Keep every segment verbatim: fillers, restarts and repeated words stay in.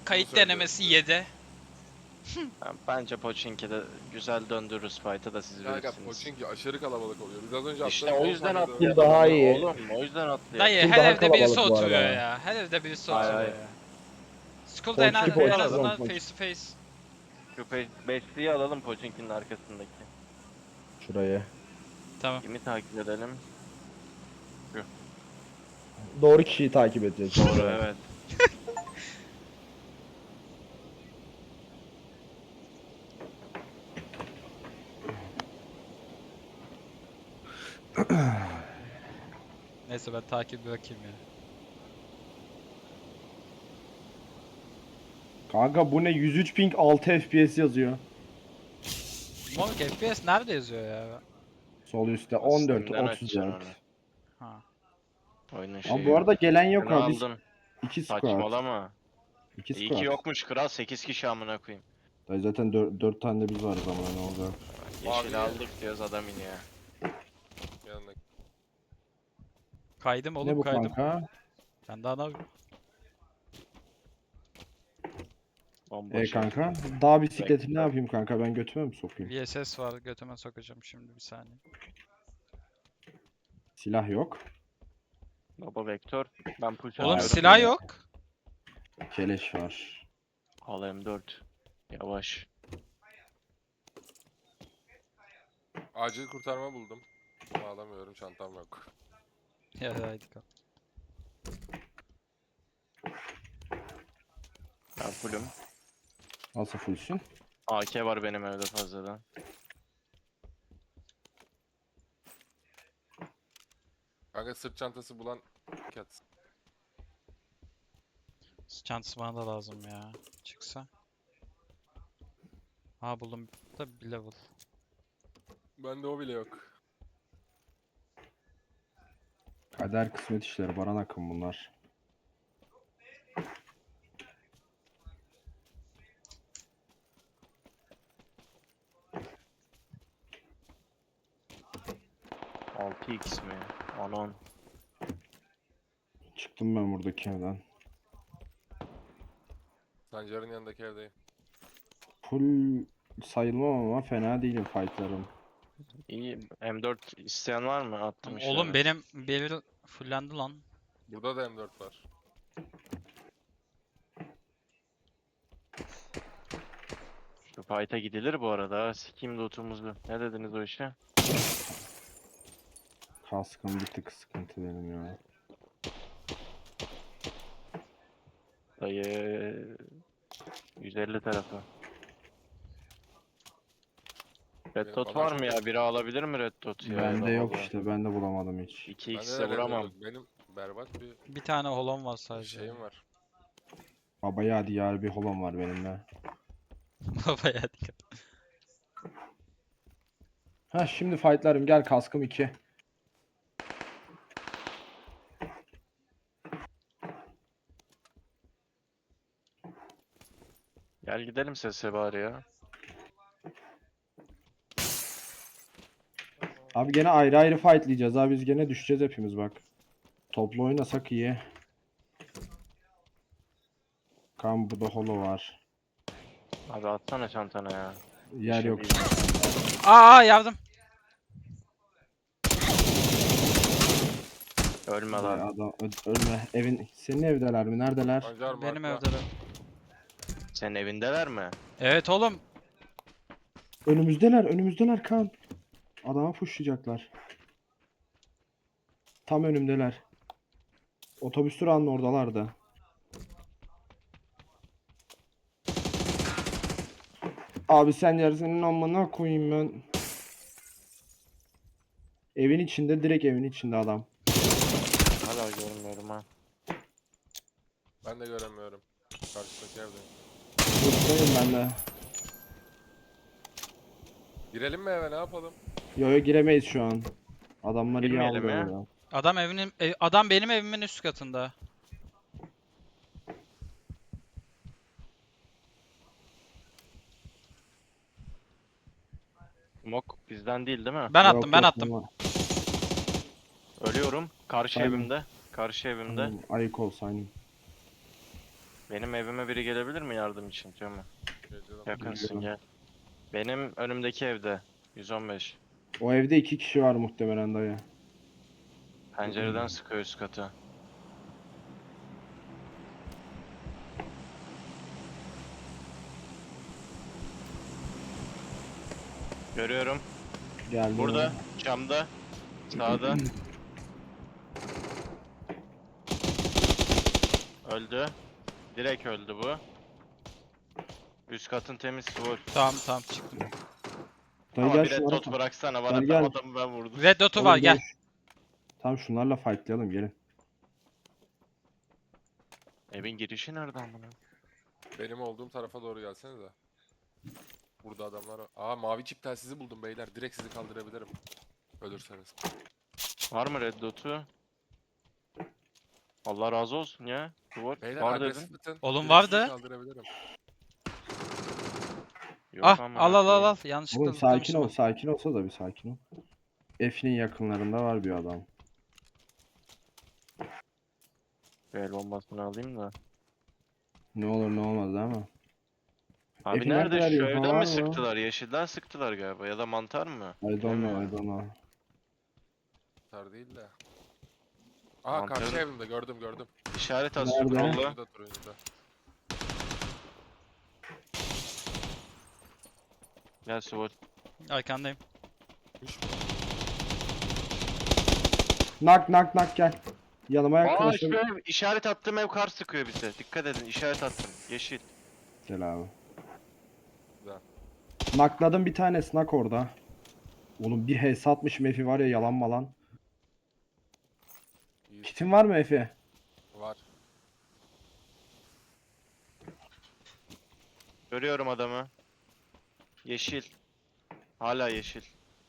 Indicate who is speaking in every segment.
Speaker 1: Kayıt
Speaker 2: söylüyorum
Speaker 1: denemesi
Speaker 2: size.
Speaker 1: yedi.
Speaker 3: Ya bence Pochinki'de güzel döndürürüz fight'ı da siz
Speaker 2: Kanka
Speaker 3: bilirsiniz.
Speaker 2: Pochinki aşırı kalabalık oluyor. Biz az önce
Speaker 3: İşte
Speaker 2: atladık
Speaker 3: o
Speaker 2: on
Speaker 3: yüzden
Speaker 2: saniyede
Speaker 3: atlayalım
Speaker 2: öldük.
Speaker 4: daha
Speaker 3: onu
Speaker 4: iyi.
Speaker 3: oğlum. O yüzden atlayalım.
Speaker 1: Dayı
Speaker 4: Full
Speaker 1: her
Speaker 4: daha
Speaker 1: evde birisi
Speaker 4: kalabalık bu
Speaker 1: oturuyor
Speaker 4: arada.
Speaker 1: ya. Her evde birisi
Speaker 3: Hayır,
Speaker 1: oturuyor
Speaker 3: hayır.
Speaker 1: ya. School'da en,
Speaker 4: Ponçiki,
Speaker 1: en
Speaker 3: Ponçiki
Speaker 1: azından
Speaker 4: alalım.
Speaker 1: face to face.
Speaker 3: Şu beşliği alalım Pochinki'nin arkasındaki.
Speaker 4: Şuraya.
Speaker 1: Tamam.
Speaker 3: Kimi takip edelim?
Speaker 4: Doğru kişiyi takip edeceğiz.
Speaker 3: Doğru evet.
Speaker 1: Neyse ben takip bir bakayım ya.
Speaker 4: Kanka bu ne? yüz üç ping altı F P S yazıyor.
Speaker 1: Morg F P S nerede yazıyor ya?
Speaker 4: Sol üstte on dört,
Speaker 3: Steam'den açacaksın onu.
Speaker 4: otuz dört.
Speaker 1: Ha.
Speaker 3: Oyunun
Speaker 4: Ama
Speaker 3: şeyi.
Speaker 4: bu arada gelen yok
Speaker 3: Şunu
Speaker 4: ha. Biz
Speaker 3: aldın.
Speaker 4: iki squad.
Speaker 3: Saçmalama.
Speaker 4: iki
Speaker 3: İyi ki
Speaker 4: squad.
Speaker 3: yokmuş kral. sekiz kişi amına koyayım.
Speaker 4: Dayı zaten dört tane de biz varız ama ne olacak?
Speaker 3: Yeşil
Speaker 2: Abi.
Speaker 3: aldık diyoruz adam iniyor.
Speaker 2: Yanındaki.
Speaker 1: Kaydım oğlum
Speaker 4: Ne bu
Speaker 1: kaydım.
Speaker 4: kanka?
Speaker 1: Ben daha ne yapayım?
Speaker 3: Bomboş
Speaker 4: E kanka. Dağ bisikleti ne yapayım kanka? Ben götüme mi sokayım?
Speaker 1: V S S var götüme sokacağım şimdi bir saniye.
Speaker 4: Silah yok.
Speaker 3: Baba vektör. Ben push
Speaker 1: Oğlum
Speaker 3: atıyorum.
Speaker 1: silah yok.
Speaker 4: Keleş var.
Speaker 3: Al M dört. Yavaş.
Speaker 2: Acil kurtarma buldum. Ama alamıyorum, çantam yok.
Speaker 1: Ya haydi kal.
Speaker 3: Ben fullüm.
Speaker 4: Nasıl fullsün?
Speaker 3: A K var benim evde fazladan.
Speaker 2: Kanka sırt çantası bulan kat.
Speaker 1: Çantası bana da lazım ya. Çıksa. Ha buldum da bir level.
Speaker 2: Bende o bile yok.
Speaker 4: Kader kısmet işleri. Baran akım bunlar.
Speaker 3: altı x mi? Anon.
Speaker 4: Çıktım ben buradaki evden.
Speaker 2: Sancar'ın yanındaki evdeyim.
Speaker 4: Full sayılmam ama fena değilim fightlarım.
Speaker 3: İyi. M dört isteyen var mı? Attım işte.
Speaker 1: Oğlum benim bir fullendi lan.
Speaker 2: Burada da M dört var.
Speaker 3: Şu fight'a gidilir bu arada. Sikeyim lootumuzu. Ne dediniz o işe?
Speaker 4: Kaskım bir tık sıkıntı benim ya.
Speaker 3: Dayı yüz elli tarafı. Red
Speaker 2: Benim
Speaker 3: dot
Speaker 2: bana
Speaker 3: var
Speaker 2: çok
Speaker 3: mı ya?
Speaker 2: yakın.
Speaker 3: Biri alabilir mi red dot ya?
Speaker 4: Bende
Speaker 3: Ya da
Speaker 4: yok
Speaker 3: Allah.
Speaker 4: işte. Ben de bulamadım hiç.
Speaker 3: iki
Speaker 2: Bende
Speaker 3: x'e
Speaker 2: de Red
Speaker 3: vuramam.
Speaker 2: Dot. Benim berbat bir
Speaker 1: Bir tane holon var sadece.
Speaker 2: şeyim var.
Speaker 4: Baba ya diyar bir holom var benimle.
Speaker 1: Baba ya dikkat.
Speaker 4: Ha şimdi fightlarım gel kaskım iki.
Speaker 3: Gel gidelim sese bari ya.
Speaker 4: Abi gene ayrı ayrı fightlayacağız abi biz gene düşeceğiz hepimiz bak. Toplu oynasak iyi. Kan burada holo var.
Speaker 3: Abi atsana çantana ya.
Speaker 4: Yer
Speaker 3: şey
Speaker 4: yok.
Speaker 3: değil.
Speaker 1: Aa yardım.
Speaker 3: Ölme
Speaker 4: Ay,
Speaker 3: lan.
Speaker 4: adam ö- ölme. Evin senin evdeler mi? Neredeler?
Speaker 2: Sancar
Speaker 1: Benim
Speaker 2: markla.
Speaker 1: evde de.
Speaker 3: Senin evindeler mi?
Speaker 1: Evet oğlum.
Speaker 4: Önümüzdeler, önümüzdeler kan. Adama pushlayacaklar. Tam önümdeler. Otobüs durağının oradalardı. Abi sen yarısının amına koyayım ben. Evin içinde, direkt evin içinde adam.
Speaker 3: Hala görmüyorum ha.
Speaker 2: Ben de göremiyorum. Karşıdaki evdeyim.
Speaker 4: Buradayım ben de.
Speaker 2: Girelim mi eve, ne yapalım?
Speaker 4: Yo yo giremeyiz şu an. Adamlar iyi
Speaker 3: Girmeyelim
Speaker 4: aldı
Speaker 3: ya.
Speaker 4: orada.
Speaker 1: Adam evinin ev- adam benim evimin üst katında.
Speaker 3: Mok bizden değil değil mi?
Speaker 1: Ben
Speaker 4: Yok,
Speaker 1: attım ben
Speaker 4: yok,
Speaker 1: attım.
Speaker 4: ama-
Speaker 3: Ölüyorum. Karşı
Speaker 4: Aynen.
Speaker 3: evimde. Karşı evimde.
Speaker 4: Tamam, ayık ol sayın.
Speaker 3: Benim evime biri gelebilir mi yardım için diyor mu?
Speaker 2: Geliyorum.
Speaker 3: Yakınsın
Speaker 4: Geliyorum.
Speaker 3: gel. Benim önümdeki evde. yüz on beş.
Speaker 4: O evde iki kişi var muhtemelen dayı.
Speaker 3: Pencereden sıkıyor üst katı. Görüyorum.
Speaker 4: Geldi.
Speaker 3: Burada. Camda. Sağda. Öldü. Direkt öldü bu. Üst katın temiz Sword.
Speaker 1: Tamam tamam çıktım.
Speaker 4: Dayı
Speaker 3: Ama
Speaker 4: gel
Speaker 3: bir red
Speaker 4: şunlara
Speaker 3: dot
Speaker 4: fa-
Speaker 3: bıraksana bana.
Speaker 4: Gel,
Speaker 3: Ben
Speaker 4: gel.
Speaker 3: adamı ben vurdum.
Speaker 1: Red dot'u
Speaker 4: Oğlum
Speaker 1: var gel.
Speaker 4: şu- Tamam şunlarla fightlayalım gelin.
Speaker 3: Evin girişi nereden bunu?
Speaker 2: Benim olduğum tarafa doğru gelsenize. Burada adamlar var. Aa mavi çip telsizi buldum beyler. Direkt sizi kaldırabilirim. Ölürseniz.
Speaker 3: Var mı red dot'u? Allah razı olsun ya. Sword.
Speaker 2: Beyler
Speaker 3: Var dedin.
Speaker 2: agresif atın.
Speaker 1: Oğlum
Speaker 2: Direkt sizi
Speaker 1: vardı.
Speaker 2: kaldırabilirim.
Speaker 3: Yok
Speaker 1: Ah
Speaker 3: ama
Speaker 1: al al al
Speaker 3: koyayım.
Speaker 1: al. Yanlışlıkla
Speaker 4: Oğlum sakin ol,
Speaker 1: zıplamışım.
Speaker 4: sakin olsa da bir sakin ol. F'nin yakınlarında var bir adam.
Speaker 3: Bir el bombasını alayım da.
Speaker 4: Ne olur ne olmaz ama.
Speaker 3: Abi
Speaker 4: Efi
Speaker 3: nerede?
Speaker 4: nerede
Speaker 3: Şu
Speaker 4: arıyor?
Speaker 3: evden
Speaker 4: Var
Speaker 3: mi
Speaker 4: mı?
Speaker 3: sıktılar? Yeşilden sıktılar galiba. Ya da mantar mı?
Speaker 4: I don't know,
Speaker 3: Bilemiyorum.
Speaker 4: I don't know.
Speaker 2: Tar değil de. Aa
Speaker 3: Mantarı-
Speaker 2: karşı evimde gördüm gördüm.
Speaker 3: İşaret at
Speaker 4: Nerede?
Speaker 3: scroll'la.
Speaker 2: Turuncuda turuncuda.
Speaker 3: Gel Sword.
Speaker 1: Arkandayım.
Speaker 4: Nak nak nak gel. Yanıma
Speaker 3: Aa
Speaker 4: yaklaşın.
Speaker 3: şu ev, işaret attığım ev kar sıkıyor bize. Dikkat edin işaret attım. Yeşil.
Speaker 4: Gel abi.
Speaker 2: Güzel.
Speaker 4: Nakladım bir tane nak orada. Oğlum bir H S atmışım Efi var ya yalan malan.
Speaker 2: İyi.
Speaker 4: Kitin var mı Efi?
Speaker 2: Var.
Speaker 3: Görüyorum adamı. Yeşil. Hala yeşil.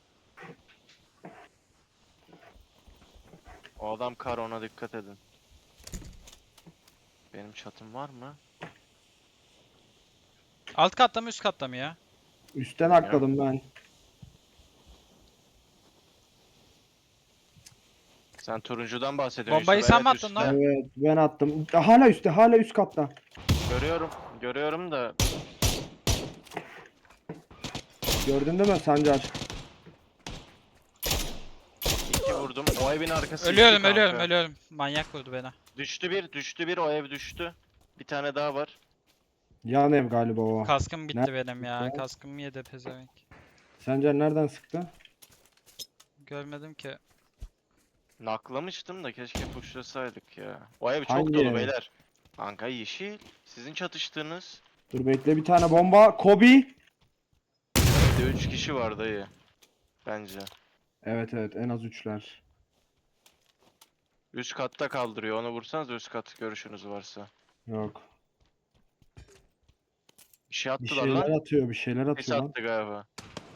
Speaker 3: O adam kar ona dikkat edin. Benim çatım var mı?
Speaker 1: Alt katta mı üst katta mı ya?
Speaker 4: Üstten nakladım ben.
Speaker 3: Sen turuncudan bahsediyorsun.
Speaker 1: Bombayı
Speaker 3: Yusuf.
Speaker 1: sen mi
Speaker 3: Evet,
Speaker 1: attın
Speaker 3: üstte.
Speaker 1: lan?
Speaker 4: Evet ben attım. Hala üstte hala üst katta.
Speaker 3: Görüyorum. Görüyorum da
Speaker 4: Gördün değil mi Sancar?
Speaker 3: iki vurdum. O evin arkası
Speaker 1: Ölüyorum
Speaker 3: iki
Speaker 1: ölüyorum
Speaker 3: kanka.
Speaker 1: ölüyorum. Manyak vurdu beni.
Speaker 3: Düştü bir, düştü bir. O ev düştü. Bir tane daha var.
Speaker 4: Yan ev galiba o.
Speaker 1: Kaskım bitti
Speaker 4: Nerede
Speaker 1: benim ya.
Speaker 4: ya?
Speaker 1: Kaskım yedi pezevenk.
Speaker 4: Sancar nereden sıktı?
Speaker 1: Görmedim ki.
Speaker 3: Naklamıştım da keşke pushlasaydık ya. O ev çok
Speaker 4: Hangi
Speaker 3: dolu
Speaker 4: ev?
Speaker 3: beyler. Kanka yeşil. Sizin çatıştığınız.
Speaker 4: Dur bekle bir tane bomba. Kobe.
Speaker 3: Evde üç kişi var dayı. Bence.
Speaker 4: Evet evet en az üçler.
Speaker 3: Üst katta kaldırıyor. Onu vursanız üst kat görüşünüz varsa.
Speaker 4: Yok.
Speaker 3: Bir şey
Speaker 4: Bir
Speaker 3: attılar
Speaker 4: şeyler
Speaker 3: lan.
Speaker 4: atıyor bir şeyler
Speaker 3: Ses
Speaker 4: atıyor lan.
Speaker 3: attı galiba.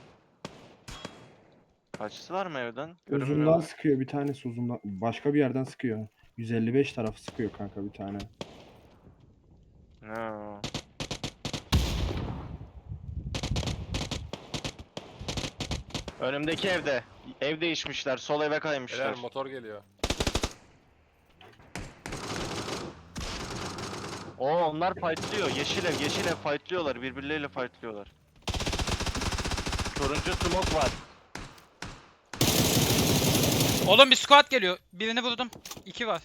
Speaker 3: Kaçtılar mı evden?
Speaker 4: Uzundan
Speaker 3: Görünmüyorlar.
Speaker 4: sıkıyor bir tanesi uzundan. Başka bir yerden sıkıyor. yüz elli beş tarafı sıkıyor kanka bir tane.
Speaker 3: Ne o? Önümdeki evde. Ev değişmişler. Sol eve kaymışlar.
Speaker 2: Beyler motor geliyor.
Speaker 3: Oo onlar fightlıyor. Yeşil ev, yeşil ev fightlıyorlar. Birbirleriyle fightlıyorlar. Turuncu smoke var.
Speaker 1: Oğlum bir squad geliyor. Birini vurdum. İki var.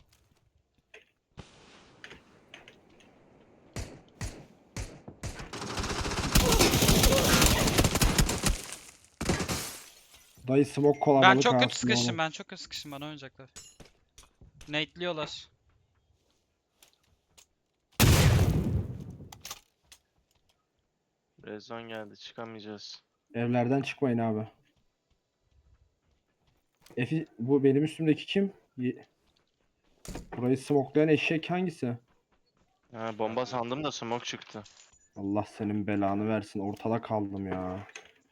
Speaker 4: Dayı smoke kolabalık
Speaker 1: Ben çok kötü
Speaker 4: ağasını
Speaker 1: sıkıştım.
Speaker 4: oğlum.
Speaker 1: Ben çok kötü sıkıştım. Bana oynayacaklar. Nate'liyorlar.
Speaker 3: Rezon geldi. Çıkamayacağız.
Speaker 4: Evlerden çıkmayın abi. Efi bu benim üstümdeki kim? Ye- Burayı smokelayan eşek hangisi?
Speaker 3: Ha, bomba sandım da smoke çıktı.
Speaker 4: Allah senin belanı versin. Ortada kaldım ya.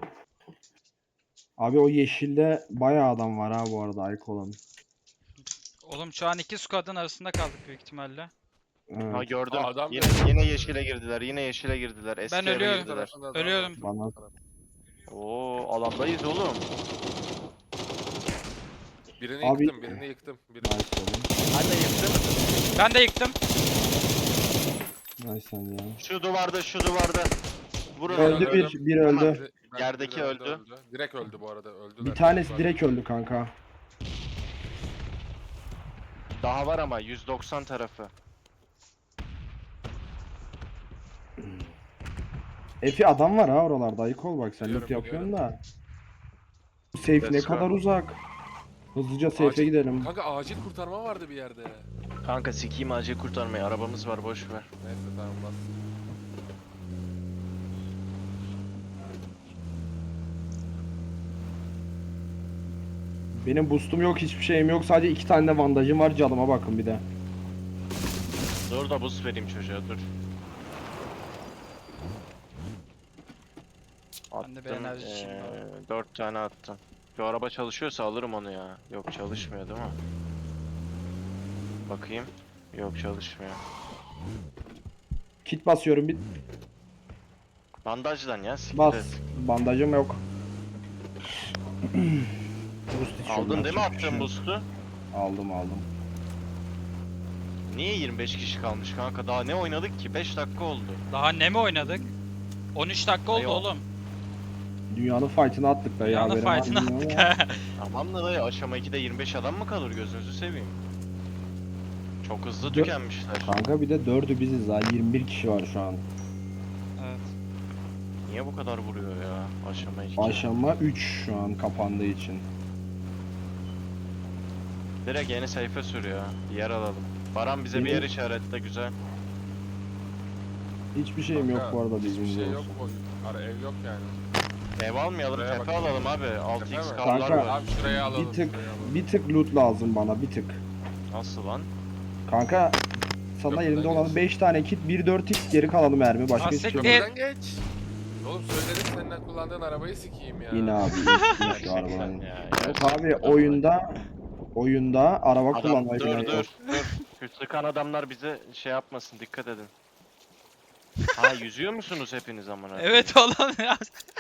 Speaker 4: Abi o yeşilde bayağı adam var ha bu arada ayık olan.
Speaker 1: Oğlum şu an iki squad'ın arasında kaldık büyük ihtimalle.
Speaker 4: Evet,
Speaker 3: Ha gördüm.
Speaker 2: Aa, adam
Speaker 3: yine,
Speaker 2: geldi.
Speaker 3: yine yeşile girdiler. Yine yeşile girdiler. Eski
Speaker 1: Ben
Speaker 3: eve
Speaker 1: ölüyorum.
Speaker 3: girdiler.
Speaker 2: Tarafında adam
Speaker 1: Ölüyorum.
Speaker 2: var.
Speaker 4: bana
Speaker 3: Oo alandayız oğlum.
Speaker 2: Birini
Speaker 4: Abi-
Speaker 2: yıktım, birini yıktım. Birini...
Speaker 4: nice oğlum.
Speaker 3: Ben de yıktım.
Speaker 1: Ben de yıktım.
Speaker 4: Ay sen ya.
Speaker 3: Şu duvarda, şu duvarda. Vurun
Speaker 4: Öldü
Speaker 3: onu.
Speaker 4: bir, bir
Speaker 3: Tamam.
Speaker 4: öldü.
Speaker 2: Ben-
Speaker 3: Yerdeki
Speaker 2: biri
Speaker 3: öldü.
Speaker 2: Direkt öldü bu arada. Öldüler.
Speaker 4: Bir tanesi
Speaker 2: Var.
Speaker 4: direkt öldü kanka.
Speaker 3: Daha var ama yüz doksan tarafı.
Speaker 4: Efi adam var ha oralarda. Ayık ol bak sen
Speaker 2: Biliyorum,
Speaker 4: loot yapıyorsun
Speaker 2: biliyorum.
Speaker 4: da. Bu safe ne
Speaker 3: Let's go.
Speaker 4: kadar uzak. Hızlıca safe'e
Speaker 2: Acil-
Speaker 4: gidelim.
Speaker 2: Kanka acil kurtarma vardı bir yerde.
Speaker 3: Kanka sikiyim acil kurtarmayı. Arabamız var boş ver.
Speaker 2: Neyse tamam bas.
Speaker 4: Benim boostum yok, hiçbir şeyim yok. Sadece iki tane de bandajım var. Canıma bakın bir de.
Speaker 3: Dur da boost vereyim çocuğa dur.
Speaker 1: Ben de bir enerji içeyim bari.
Speaker 3: dört tane attım. Şu araba çalışıyorsa alırım onu ya. Yok çalışmıyor değil mi? Bakayım. Yok çalışmıyor.
Speaker 4: Kit basıyorum bir
Speaker 3: Bandajdan ya siktir
Speaker 4: bas.
Speaker 3: et.
Speaker 4: Bandajım yok. Boost içiyorum,
Speaker 3: Aldın değil mi
Speaker 4: yapacak bir şey
Speaker 3: attığın
Speaker 4: yok.
Speaker 3: boost'u?
Speaker 4: Aldım aldım.
Speaker 3: Niye yirmi beş kişi kalmış kanka? Daha ne oynadık ki? beş dakika oldu.
Speaker 1: Daha ne mi oynadık? on üç dakika oldu
Speaker 3: Ay, o-
Speaker 1: oğlum.
Speaker 4: Dünyanın fight'ını attık da ya.
Speaker 1: Dünyanın
Speaker 4: haberim var
Speaker 1: fight'ını
Speaker 4: mı
Speaker 1: attık
Speaker 4: bilmiyorum
Speaker 1: ha.
Speaker 3: Tamam da dayı aşama ikide yirmi beş adam mı kalır gözünüzü seveyim. Çok hızlı
Speaker 4: Dö-
Speaker 3: tükenmişler.
Speaker 4: ama. Kanka bir de dördü biziz ha. yirmi bir kişi var şu an.
Speaker 1: Evet.
Speaker 3: Niye bu kadar vuruyor ya aşama iki?
Speaker 4: Aşama üç şu an kapandığı için.
Speaker 3: Direkt yeni sayfa sürüyor. Bir yer alalım. Baran bize bir
Speaker 4: Benim-
Speaker 3: yer işaretle güzel.
Speaker 4: Hiçbir şeyim yok
Speaker 2: Kanka,
Speaker 4: bu arada
Speaker 2: Hiçbir
Speaker 4: bilginiz
Speaker 2: şey yok.
Speaker 4: olsun.
Speaker 2: O, ara ev yok yani.
Speaker 3: Ev almayalım,
Speaker 2: Şuraya
Speaker 3: tepe
Speaker 2: bak.
Speaker 3: alalım abi. altı
Speaker 2: Tepe
Speaker 3: x
Speaker 2: mi?
Speaker 3: karlar
Speaker 4: Kanka,
Speaker 3: var.
Speaker 2: Abi şuraya alalım.
Speaker 4: Bir tık
Speaker 2: şuraya alalım.
Speaker 4: bir tık loot lazım bana bir tık.
Speaker 3: Nasıl lan?
Speaker 4: Kanka sana
Speaker 2: Köprüden
Speaker 4: elimde olan
Speaker 2: geç.
Speaker 4: beş tane kit, bir dört x geri kalanı mermi başka
Speaker 1: Aa,
Speaker 4: hiçbir şey yok.
Speaker 1: siktir.
Speaker 2: Köprüden geç. Oğlum söyledim senden kullandığın arabayı sikeyim ya.
Speaker 4: İn abi. in, in şu
Speaker 3: Gerçekten
Speaker 4: arabadan.
Speaker 3: ya.
Speaker 4: Yok abi
Speaker 3: gerçekten.
Speaker 4: oyunda oyunda araba
Speaker 3: Adam
Speaker 4: kullanmayı
Speaker 3: dur
Speaker 4: bilen
Speaker 3: dur
Speaker 4: yok.
Speaker 3: dur. Şu sıkan adamlar bize şey yapmasın dikkat edin. Ha yüzüyor musunuz hepiniz amına?
Speaker 1: Evet oğlum ya.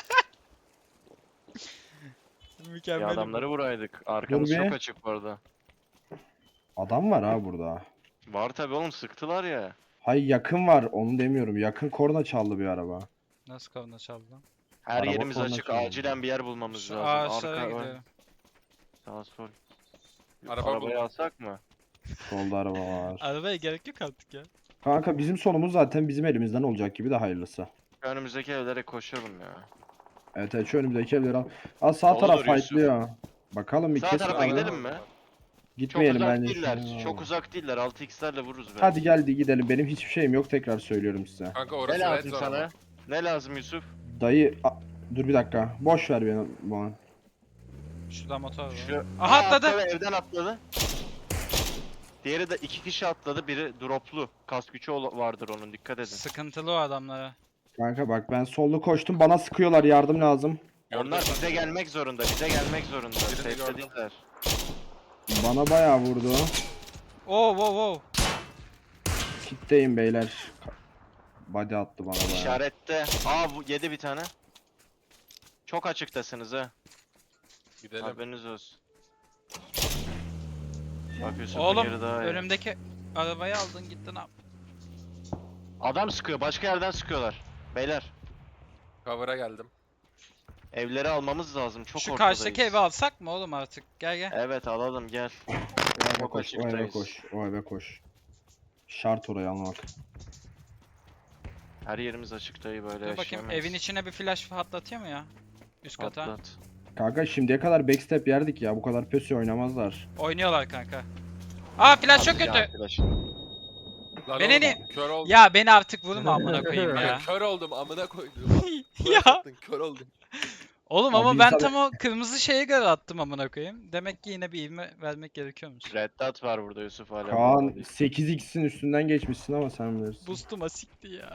Speaker 3: Ya
Speaker 1: Mükemmel.
Speaker 3: adamları vuraydık. Arkamız
Speaker 4: Dur bir.
Speaker 3: çok açık bu arada.
Speaker 4: Adam var ha burada.
Speaker 3: Var tabi oğlum sıktılar ya.
Speaker 4: Hay yakın var onu demiyorum. Yakın korna çaldı bir araba.
Speaker 1: Nasıl kavuna çaldı lan?
Speaker 3: Her
Speaker 4: Araba
Speaker 3: yerimiz
Speaker 4: korna
Speaker 3: açık.
Speaker 4: çalıyor.
Speaker 3: Acilen bir yer bulmamız
Speaker 1: Şu
Speaker 3: lazım.
Speaker 1: ağaçlara
Speaker 3: Arka ön,
Speaker 1: gidiyorum.
Speaker 3: sağ sol.
Speaker 2: Araba
Speaker 3: Arabayı
Speaker 2: buldum.
Speaker 3: alsak mı?
Speaker 4: Solda araba var.
Speaker 1: Arabaya gerek yok artık ya.
Speaker 4: Kanka bizim sonumuz zaten bizim elimizden olacak gibi de hayırlısı.
Speaker 3: Şu önümüzdeki evlere koşalım ya.
Speaker 4: Evet evet şu önümüzdeki evleri al. Aa sağ
Speaker 3: Olur
Speaker 4: taraf
Speaker 3: Yusuf.
Speaker 4: fightlıyor. Bakalım bir
Speaker 3: Sağ
Speaker 4: kesin
Speaker 3: tarafa
Speaker 4: abi.
Speaker 3: gidelim mi? Çok
Speaker 4: Gitmeyelim
Speaker 3: uzak
Speaker 4: bence.
Speaker 3: değiller.
Speaker 4: şimdi.
Speaker 3: Çok uzak değiller. altı x'lerle vururuz belki.
Speaker 4: Hadi geldi gidelim. Benim hiçbir şeyim yok tekrar söylüyorum size.
Speaker 2: Kanka
Speaker 3: Ne
Speaker 2: orası red
Speaker 3: lazım
Speaker 2: zone
Speaker 3: sana?
Speaker 2: ama.
Speaker 3: Ne lazım Yusuf?
Speaker 4: Dayı a- dur bir dakika. Boş ver beni bana.
Speaker 1: Şurada motor var.
Speaker 3: Şu...
Speaker 1: Aha,
Speaker 3: Aa,
Speaker 1: atladı.
Speaker 3: Evden atladı. Diğeri de iki kişi atladı. Biri droplu. Kask gücü ol- vardır onun dikkat edin.
Speaker 1: Sıkıntılı o adamlara.
Speaker 4: Kanka bak ben sollu koştum. Bana sıkıyorlar. Yardım lazım.
Speaker 2: Gördüm
Speaker 3: Onlar
Speaker 2: ben
Speaker 3: bize
Speaker 2: seni.
Speaker 3: gelmek zorunda. Bize gelmek zorunda.
Speaker 2: Birini gördüm.
Speaker 3: Safe'lediler.
Speaker 4: Bana bayağı vurdu.
Speaker 1: Oo wow wow.
Speaker 4: Kitleyim beyler. Body attı bana bayağı.
Speaker 3: İşarette. Aa bu yedi bir tane. Çok açıktasınız ha.
Speaker 2: Gidelim.
Speaker 3: Haberiniz olsun. Bak Yusuf'un
Speaker 1: Oğlum
Speaker 3: yeri daha iyi.
Speaker 1: önümdeki arabayı aldın gittin abi.
Speaker 3: Adam sıkıyor. Başka yerden sıkıyorlar. Beyler.
Speaker 2: Cover'a geldim.
Speaker 3: Evleri almamız lazım. Çok
Speaker 1: Şu
Speaker 3: ortadayız.
Speaker 1: karşıdaki evi alsak mı oğlum artık? Gel gel.
Speaker 3: Evet alalım gel.
Speaker 4: O eve
Speaker 3: Çok
Speaker 4: koş. O eve
Speaker 3: açıktayız.
Speaker 4: koş. O eve koş. Şart orayı almak.
Speaker 3: Her yerimiz açık dayı böyle
Speaker 1: Dur bakayım
Speaker 3: yaşayamayız.
Speaker 1: evin içine bir flash patlatıyor mu ya? Üst kata.
Speaker 3: Atlat.
Speaker 4: Kanka şimdiye kadar backstep yerdik ya. Bu kadar pösü oynamazlar.
Speaker 1: Oynuyorlar kanka. Aa flash çok
Speaker 3: Hadi
Speaker 1: kötü.
Speaker 3: arkadaş.
Speaker 2: Lan
Speaker 1: Beni
Speaker 2: oğlum,
Speaker 1: ne-
Speaker 2: Kör oldum.
Speaker 1: Ya beni artık vurma amına koyayım ya.
Speaker 2: Kör oldum amına koydum.
Speaker 1: Ya.
Speaker 2: Kör oldum.
Speaker 1: Oğlum
Speaker 4: Abi
Speaker 1: ama ben
Speaker 4: insan-
Speaker 1: tam o kırmızı şeye göre attım amına koyayım. Demek ki yine bir ivme vermek gerekiyormuş.
Speaker 3: Red Dot var burada Yusuf hala.
Speaker 4: Kaan
Speaker 3: burada.
Speaker 4: sekiz x'in üstünden geçmişsin ama sen bilirsin.
Speaker 1: Boost'uma sikti ya.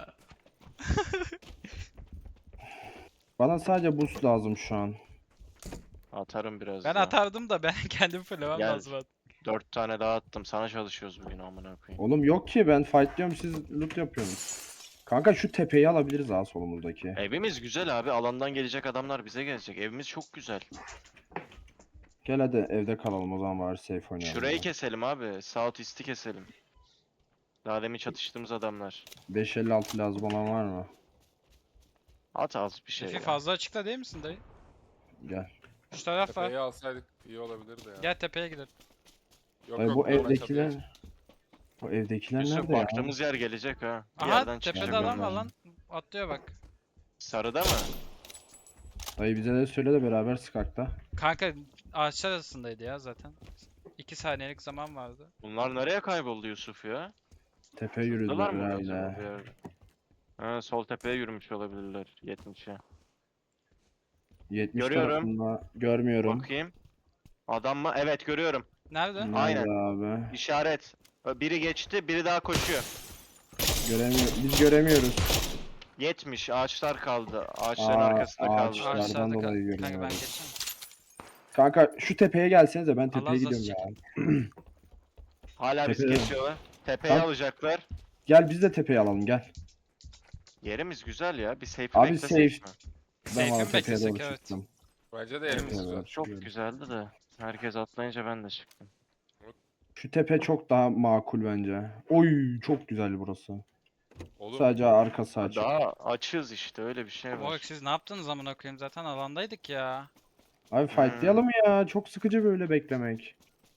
Speaker 4: Bana sadece boost lazım şu an.
Speaker 3: Atarım biraz
Speaker 1: Ben
Speaker 3: daha.
Speaker 1: atardım da ben kendim fullemem
Speaker 3: Gel.
Speaker 1: lazım artık.
Speaker 3: Dört tane daha attım. Sana çalışıyoruz bugün amına koyayım.
Speaker 4: Oğlum yok ki ben fightlıyorum siz loot yapıyorsunuz. Kanka şu tepeyi alabiliriz ha solumuzdaki.
Speaker 3: Evimiz güzel abi. Alandan gelecek adamlar bize gelecek. Evimiz çok güzel.
Speaker 4: Gel hadi evde kalalım o zaman bari safe oynayalım.
Speaker 3: Şurayı
Speaker 4: ya.
Speaker 3: keselim abi. South East'i keselim. Daha demin çatıştığımız adamlar.
Speaker 4: beş elli altı lazım olan var mı?
Speaker 3: At az bir şey
Speaker 1: Efi
Speaker 3: ya.
Speaker 1: fazla açıkta değil misin dayı?
Speaker 4: Gel.
Speaker 1: Şu taraf var.
Speaker 2: Tepeyi alsaydık iyi olabilirdi ya.
Speaker 1: Gel tepeye gidelim.
Speaker 2: Yok
Speaker 4: Dayı
Speaker 2: yok
Speaker 4: bu
Speaker 2: normal çatıya
Speaker 4: evdekiler...
Speaker 2: çık.
Speaker 4: Bu evdekiler
Speaker 3: Yusuf
Speaker 4: nerede ya?
Speaker 3: baktığımız yer gelecek ha. Bir
Speaker 1: Aha
Speaker 3: yerden
Speaker 1: tepede
Speaker 3: çıkacak
Speaker 1: adam var
Speaker 3: onlar.
Speaker 1: lan. Atlıyor bak.
Speaker 3: Sarıda mı?
Speaker 4: Dayı bize de söyle de beraber sıkakta.
Speaker 1: Kanka ağaçlar arasındaydı ya zaten. iki saniyelik zaman vardı.
Speaker 3: Bunlar nereye kayboldu Yusuf ya?
Speaker 4: Tepe
Speaker 3: Sırtlılar
Speaker 4: yürüdüler
Speaker 3: mı acaba bir
Speaker 4: herhalde.
Speaker 3: yerde? Ha, sol tepeye yürümüş olabilirler yetmişe.
Speaker 4: yetmiş
Speaker 3: Görüyorum.
Speaker 4: tarafında görmüyorum.
Speaker 3: Bakayım. Adam mı? Evet görüyorum.
Speaker 1: Nerede?
Speaker 4: Nerede
Speaker 3: Aynen.
Speaker 4: abi?
Speaker 3: İşaret. Biri geçti, biri daha koşuyor.
Speaker 4: Göremiyor. Biz göremiyoruz.
Speaker 3: yetmiş. Ağaçlar kaldı. Ağaçların
Speaker 4: Aa,
Speaker 3: arkasında kaldı.
Speaker 4: ağaçlar. Ağaçlardan
Speaker 1: Ağaçlarda kal.
Speaker 4: dolayı
Speaker 1: Kanka ben
Speaker 4: görüyorum.
Speaker 1: geçeceğim.
Speaker 4: Kanka şu tepeye gelsenize ben
Speaker 1: Allah
Speaker 4: tepeye
Speaker 1: rızası
Speaker 4: gidiyorum
Speaker 1: için.
Speaker 4: ya.
Speaker 3: Hala bizi
Speaker 4: Tepede.
Speaker 3: kesiyorlar. Tepeyi
Speaker 4: Bak.
Speaker 3: alacaklar.
Speaker 4: Gel biz de tepeyi alalım gel.
Speaker 3: Yerimiz güzel ya. Bir safe'i
Speaker 4: Abi
Speaker 3: beklesek
Speaker 4: safe.
Speaker 3: mi?
Speaker 4: Ben
Speaker 1: Safe'i
Speaker 4: valla
Speaker 1: mi
Speaker 4: tepeye doğru
Speaker 1: beklesek? Evet.
Speaker 4: çıktım.
Speaker 2: Bence de yerimiz
Speaker 4: Evet,
Speaker 2: güzel.
Speaker 4: evet.
Speaker 3: Çok
Speaker 4: Çıkıyorum.
Speaker 3: güzeldi de. Herkes atlayınca ben de çıktım.
Speaker 4: Şu tepe çok daha makul bence. Oy çok güzel burası.
Speaker 2: Olur.
Speaker 4: Sadece arkası açık.
Speaker 3: Daha açığız işte öyle bir şey
Speaker 1: Bak
Speaker 3: var.
Speaker 1: siz ne yaptınız amına koyayım zaten alandaydık ya.
Speaker 4: Abi fightlayalım ya. Çok sıkıcı böyle beklemek.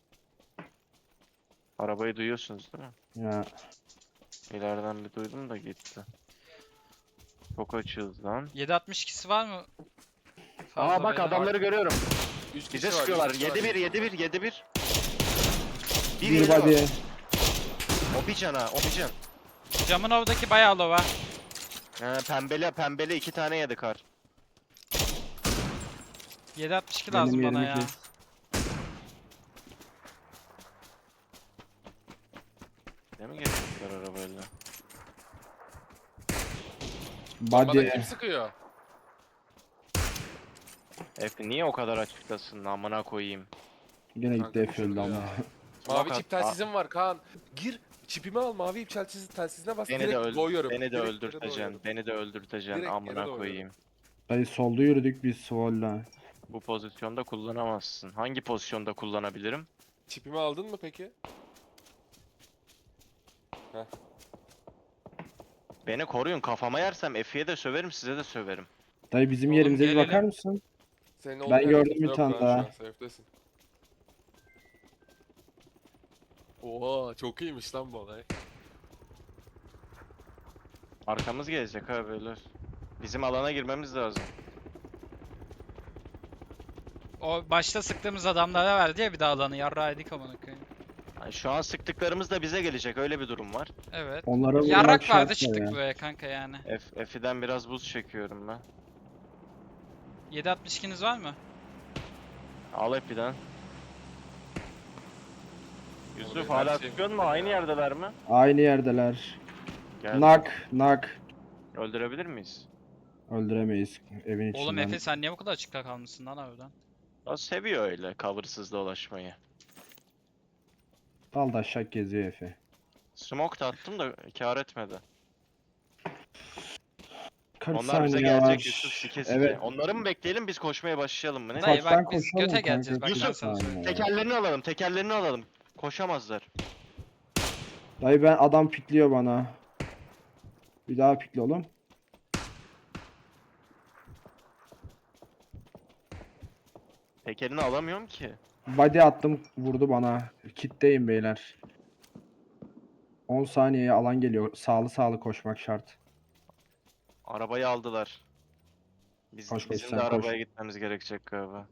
Speaker 3: Arabayı duyuyorsunuz değil mi?
Speaker 4: Ya
Speaker 3: İleriden bir duydum da gitti. Çok açığız lan.
Speaker 1: yedi altmış ikisi var mı?
Speaker 3: Aa
Speaker 1: Fazla
Speaker 3: bak
Speaker 1: beyler.
Speaker 3: adamları görüyorum.
Speaker 2: Üç kişi
Speaker 3: Bize
Speaker 2: var, üç
Speaker 3: sıkıyorlar.
Speaker 2: kişi var,
Speaker 3: yedi bir
Speaker 2: üç kişi
Speaker 3: yedi
Speaker 2: var.
Speaker 3: bir yedi bir. Bir
Speaker 4: bir
Speaker 3: yedi
Speaker 4: body.
Speaker 3: o. O bir can ha o bir can.
Speaker 1: Camın oradaki bayağı low ha.
Speaker 3: He, pembeli pembeli iki tane yedi kar.
Speaker 1: yedi altmış iki
Speaker 4: Benim
Speaker 1: lazım bana
Speaker 4: yerimi
Speaker 1: ya.
Speaker 4: kes.
Speaker 3: Ne mi getirdiler arabayla?
Speaker 2: Bana
Speaker 4: Body.
Speaker 2: kim sıkıyor?
Speaker 3: Efe niye o kadar açıktasın amına koyayım.
Speaker 4: Gene gitti
Speaker 2: Kanka,
Speaker 4: F öldü
Speaker 2: ya.
Speaker 4: ama.
Speaker 2: Mavi
Speaker 3: Smoke
Speaker 2: çip
Speaker 3: at-
Speaker 2: telsizim var Kaan. Gir. Çipimi al mavi ip telsiz, telsizine bas.
Speaker 3: Beni de
Speaker 2: direkt
Speaker 3: öldür.
Speaker 2: doğuyorum.
Speaker 3: Beni de
Speaker 2: Direkt yere
Speaker 3: öldürteceksin.
Speaker 2: doğuyorum.
Speaker 3: Beni de öldürteceksin
Speaker 2: Direkt yere
Speaker 3: amına
Speaker 2: doğuyorum.
Speaker 3: koyayım.
Speaker 4: Dayı solda yürüdük biz Svoll'la.
Speaker 3: Bu pozisyonda kullanamazsın. Hangi pozisyonda kullanabilirim?
Speaker 2: Çipimi aldın mı peki?
Speaker 3: Beni koruyun kafama yersem Efe'ye de söverim size de söverim.
Speaker 4: Dayı bizim
Speaker 1: Oğlum
Speaker 4: yerimize bir
Speaker 1: gelelim.
Speaker 4: bakar mısın?
Speaker 2: Senin
Speaker 4: Ben
Speaker 2: olduğun yerde
Speaker 4: gördüm
Speaker 2: kimse
Speaker 4: bir
Speaker 2: yok
Speaker 4: tane
Speaker 2: Kaan, şu
Speaker 4: daha.
Speaker 2: an safe'desin. Oha çok iyiymiş lan bu olay.
Speaker 3: Arkamız gelecek ha beyler. Bizim alana girmemiz lazım.
Speaker 1: O başta sıktığımız adamlara verdi ya bir daha alanı yarraydık amına koyayım.
Speaker 3: Yani şu an sıktıklarımız da bize gelecek öyle bir durum var.
Speaker 1: Evet.
Speaker 4: Onlara vurmak
Speaker 1: Yarrak
Speaker 4: şart
Speaker 1: vardı
Speaker 4: da
Speaker 1: çıktık
Speaker 4: ya.
Speaker 1: buraya kanka yani.
Speaker 3: F F'den biraz buz çekiyorum ben.
Speaker 1: yedi altmış ikiniz var mı?
Speaker 3: Al F'den. Yusuf
Speaker 2: benim
Speaker 3: hala
Speaker 2: her şeyim
Speaker 3: sıkıyor mu?
Speaker 2: bitti
Speaker 3: Aynı
Speaker 2: ya.
Speaker 3: yerdeler mi?
Speaker 4: Aynı yerdeler.
Speaker 3: Gel.
Speaker 4: Nak, nak.
Speaker 3: Öldürebilir miyiz?
Speaker 4: Öldüremeyiz evin içinden.
Speaker 1: Oğlum Efe sen niye bu kadar açıkta kalmışsın lan harbiden?
Speaker 3: O seviyor öyle cover'sız dolaşmayı.
Speaker 4: Dal da şak geziyor Efe.
Speaker 3: Smoke da attım da kar etmedi.
Speaker 4: kırk
Speaker 3: Onlar bize
Speaker 4: saniye
Speaker 3: gelecek
Speaker 4: var.
Speaker 3: Yusuf sike sike.
Speaker 4: Evet.
Speaker 3: Onları mı bekleyelim biz koşmaya başlayalım mı ne?
Speaker 1: Dayı
Speaker 4: Ufaktan
Speaker 1: bak biz
Speaker 4: koşalım
Speaker 1: göte
Speaker 4: kanka,
Speaker 1: geleceğiz bak ben
Speaker 3: Yusuf,
Speaker 1: sana söyleyeyim.
Speaker 4: saniye.
Speaker 3: Tekerlerini alalım tekerlerini alalım. Koşamazlar.
Speaker 4: Dayı ben adam pikliyor bana. Bir daha pikle oğlum.
Speaker 3: Tekerini alamıyorum ki.
Speaker 4: Body attım vurdu bana. Kitteyim beyler. on saniyeye alan geliyor. Sağlı sağlı koşmak şart.
Speaker 3: Arabayı aldılar. Biz,
Speaker 4: Koş, koş,
Speaker 3: bizim
Speaker 4: sen
Speaker 3: de
Speaker 4: koş.
Speaker 3: arabaya gitmemiz gerekecek galiba.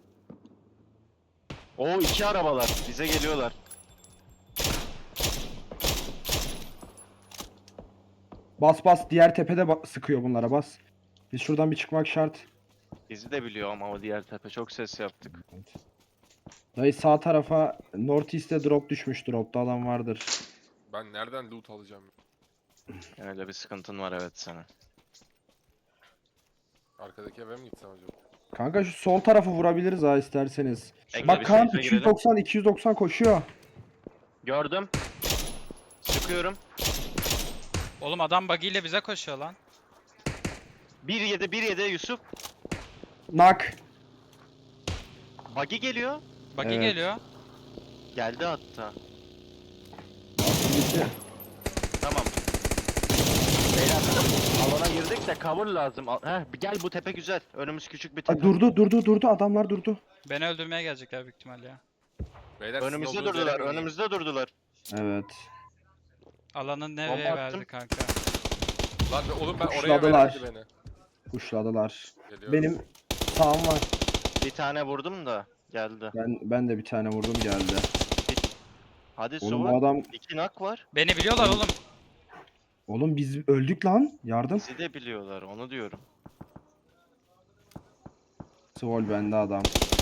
Speaker 3: Oo iki arabalar bize geliyorlar.
Speaker 4: Bas bas diğer tepede ba- sıkıyor bunlara bas. Biz şuradan bir çıkmak şart.
Speaker 3: Bizi de biliyor ama o diğer tepe çok ses yaptık.
Speaker 4: Dayı sağ tarafa North East'e drop düşmüş. Dropta adam vardır.
Speaker 2: Ben nereden loot alacağım?
Speaker 3: Öyle bir sıkıntın var evet senin.
Speaker 2: Arkadaki eve mi gitsem acaba?
Speaker 4: Kanka şu sol tarafı vurabiliriz ha isterseniz.
Speaker 3: Bekle,
Speaker 4: Bak
Speaker 3: bir
Speaker 4: Kaan
Speaker 3: safe'e
Speaker 4: iki yüz
Speaker 3: girelim.
Speaker 4: doksan iki yüz doksan koşuyor.
Speaker 3: Gördüm. Sıkıyorum.
Speaker 1: Oğlum adam buggy ile bize koşuyor lan.
Speaker 3: bir yedi bir yedi Yusuf.
Speaker 4: Nak.
Speaker 3: Buggy geliyor.
Speaker 1: Buggy
Speaker 4: Evet.
Speaker 1: geliyor.
Speaker 3: Geldi hatta.
Speaker 4: Bitti.
Speaker 3: işte cover lazım. Al- Heh, gel bu tepe güzel. Önümüz küçük bir
Speaker 4: Ha,
Speaker 3: tepe.
Speaker 4: durdu durdu durdu adamlar durdu.
Speaker 1: Beni öldürmeye gelecekler büyük ihtimalle ya.
Speaker 2: Beyler sizin
Speaker 3: Önümüzde
Speaker 2: olduğunuz yere
Speaker 3: durdular.
Speaker 2: mi ineyim?
Speaker 3: Önümüzde durdular.
Speaker 4: Evet.
Speaker 1: Alanı nereye
Speaker 3: Bomba attım.
Speaker 1: verdi kanka?
Speaker 2: Lan be- oğlum ben oraya
Speaker 4: Kuşladılar.
Speaker 2: vermedi beni.
Speaker 4: Kuşladılar.
Speaker 2: Geliyorum.
Speaker 4: Benim sağım var.
Speaker 3: Bir tane vurdum da geldi.
Speaker 4: Ben ben de bir tane vurdum geldi.
Speaker 3: Hadi
Speaker 4: Oğlum bu
Speaker 3: Suva.
Speaker 4: adam
Speaker 3: İki nak var.
Speaker 1: Beni biliyorlar oğlum.
Speaker 4: oğlum biz öldük lan. Yardım.
Speaker 3: Bizi de biliyorlar onu diyorum.
Speaker 4: Svol bende adam.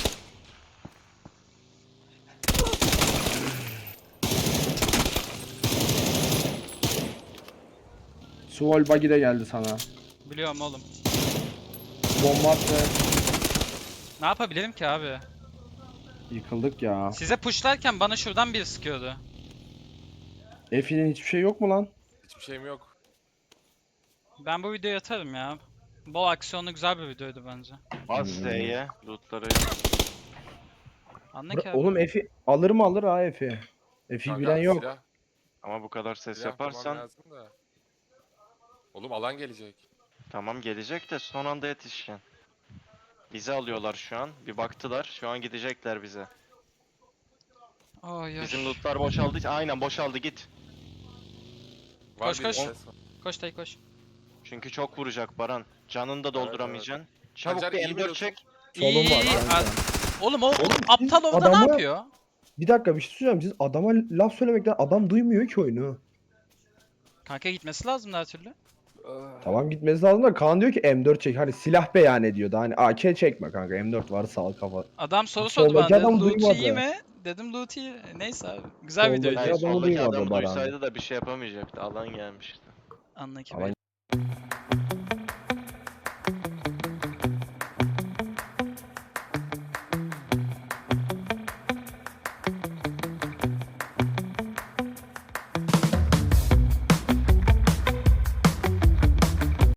Speaker 4: Svol buggy de geldi sana.
Speaker 1: Biliyorum oğlum.
Speaker 4: Bomba attı.
Speaker 1: Ne yapabilirim ki abi?
Speaker 4: Yıkıldık ya.
Speaker 1: Size pushlarken bana şuradan biri sıkıyordu.
Speaker 4: Efi'nin hiçbir şey yok mu lan?
Speaker 2: Hiçbir şeyim yok.
Speaker 1: Ben bu videoyu atarım ya. Bol aksiyonlu güzel bir videoydu bence.
Speaker 3: Bas
Speaker 4: Hmm.
Speaker 3: Z'ye. Lootları.
Speaker 1: Anla
Speaker 4: Bıra-
Speaker 1: ki abi.
Speaker 4: Oğlum Efi alır mı alır ha Efi. Efi
Speaker 2: Kanka,
Speaker 4: bilen yok.
Speaker 2: Silah,
Speaker 3: Ama bu kadar ses
Speaker 2: silah bulmam
Speaker 3: yaparsan
Speaker 2: lazım da. Oğlum alan gelecek.
Speaker 3: tamam gelecek de son anda yetişken. Bizi alıyorlar şu an. Bir baktılar. Şu an gidecekler bize.
Speaker 1: Ay, ay.
Speaker 3: Bizim lootlar boşaldı. Aynen boşaldı git.
Speaker 2: Var
Speaker 1: Koş,
Speaker 2: bir
Speaker 1: koş.
Speaker 2: ses var.
Speaker 1: Koş dayı koş.
Speaker 3: Çünkü çok vuracak Baran. Canını da dolduramayacaksın. Çabuk
Speaker 2: Pancar
Speaker 3: bir
Speaker 2: iyi
Speaker 3: M dört
Speaker 2: biliyorsun.
Speaker 3: çek.
Speaker 1: İyi
Speaker 4: Solum var
Speaker 1: iyi.
Speaker 4: kanka.
Speaker 1: Az- Oğlum o
Speaker 4: Oğlum
Speaker 1: aptal
Speaker 4: siz
Speaker 1: orada ne
Speaker 4: adamı-
Speaker 1: yapıyor?
Speaker 4: Bir dakika bir şey söyleyeceğim. Siz adama laf söylemekten adam duymuyor ki oyunu.
Speaker 1: Kanka gitmesi lazım her türlü.
Speaker 4: Tamam gitmesi lazım da Kaan diyor ki M dört çek. Hani silah beyan ediyordu. Hani A K çekme kanka. M dört var sağ kafa.
Speaker 1: Adam soru
Speaker 4: Soldaki
Speaker 1: sordu bana. Dedi,
Speaker 4: adam
Speaker 1: loot iyi
Speaker 4: duymadı.
Speaker 1: mi? Dedim loot iyi. Neyse abi. Güzel
Speaker 4: Soldaki
Speaker 1: videoydu.
Speaker 3: Hayır,
Speaker 4: adamı
Speaker 3: soldaki
Speaker 4: duymadı
Speaker 3: adam
Speaker 4: Baran.
Speaker 3: duysaydı da bir şey yapamayacaktı. Alan gelmişti.
Speaker 1: Anla ki.
Speaker 4: Alan-